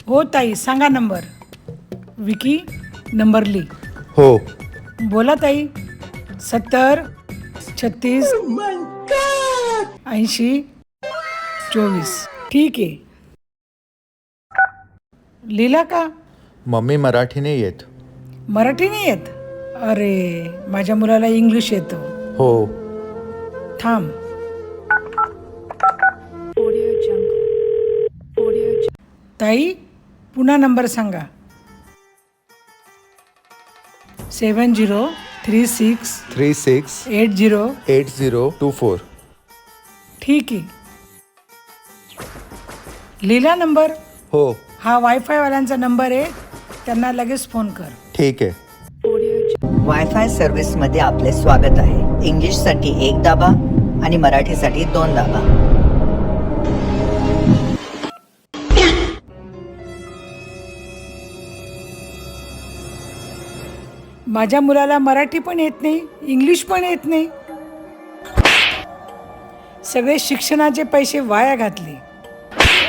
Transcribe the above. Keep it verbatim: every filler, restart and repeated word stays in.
हो ताई, सांगा नंबर. विकी, नंबर ली. हो. बोला ताई. सत्तर छत्तीस ऐंशी चोवीस. ठीक आहे. लिहिला का? मम्मी मराठी नाही येत. मराठी नाही येत? अरे, माझ्या मुलाला इंग्लिश येतं. हो. थांब. ताई, पुन्हा नंबर सांगा. Seven zero three six three six eight zero eight zero two four. ठीक आहे. लिहिला नंबर? हो. हा वायफायवाल्यांचा नंबर आहे, त्यांना लगेच फोन कर. ठीक आहे. वायफाय सर्व्हिसमध्ये आपले स्वागत आहे. इंग्लिशसाठी एक दाबा आणि मराठीसाठी दोन दाबा. माझ्या मुलाला मराठी पण येत नाही, इंग्लिश पण येत नाही. सगळे शिक्षणाचे पैसे वाया घातले.